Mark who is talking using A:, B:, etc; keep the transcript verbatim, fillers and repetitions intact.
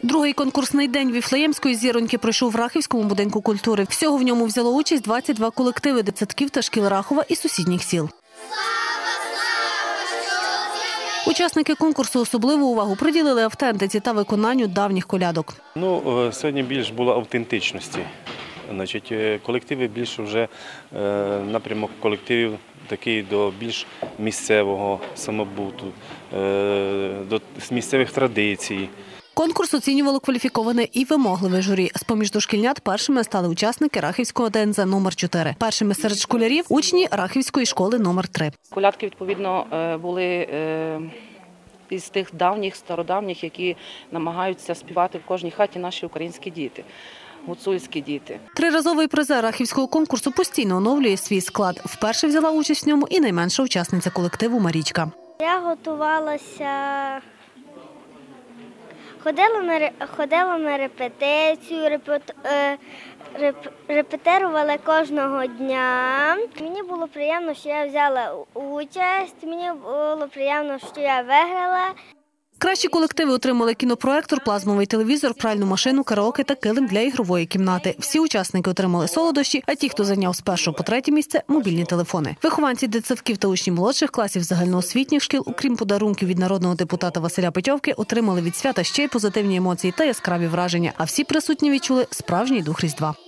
A: Другий конкурсний день Віфлеємської зіроньки пройшов в Рахівському будинку культури. Всього в ньому взяло участь двадцять два колективи дитсадків та шкіл Рахова і сусідніх сіл. Учасники конкурсу особливу увагу приділили автентиці та виконанню давніх колядок.
B: Ну, сьогодні більш було автентичності. Значить, колективи більше вже напрямок колективів такий до більш місцевого самобуту, до місцевих традицій.
A: Конкурс оцінювало кваліфіковане і вимогливе журі. З-поміж дошкільнят першими стали учасники Рахівського ДНЗ номер чотири. Першими серед школярів – учні Рахівської школи номер три.
C: Колядки, відповідно, були із тих давніх, стародавніх, які намагаються співати в кожній хаті наші українські діти. Гуцульські діти.
A: Триразовий призер Рахівського конкурсу постійно оновлює свій склад. Вперше взяла участь в ньому і найменша учасниця колективу Марічка.
D: Я готувалася, ходила на, ходила на репетицію, репет, реп, репетирувала кожного дня. Мені було приємно, що я взяла участь, мені було приємно, що я виграла.
A: Кращі колективи отримали кінопроектор, плазмовий телевізор, пральну машину, караоке та килим для ігрової кімнати. Всі учасники отримали солодощі, а ті, хто зайняв з першого по третє місце – мобільні телефони. Вихованці дитсадків та учні молодших класів загальноосвітніх шкіл, окрім подарунків від народного депутата Василя Петьовки, отримали від свята ще й позитивні емоції та яскраві враження. А всі присутні відчули справжній дух Різдва.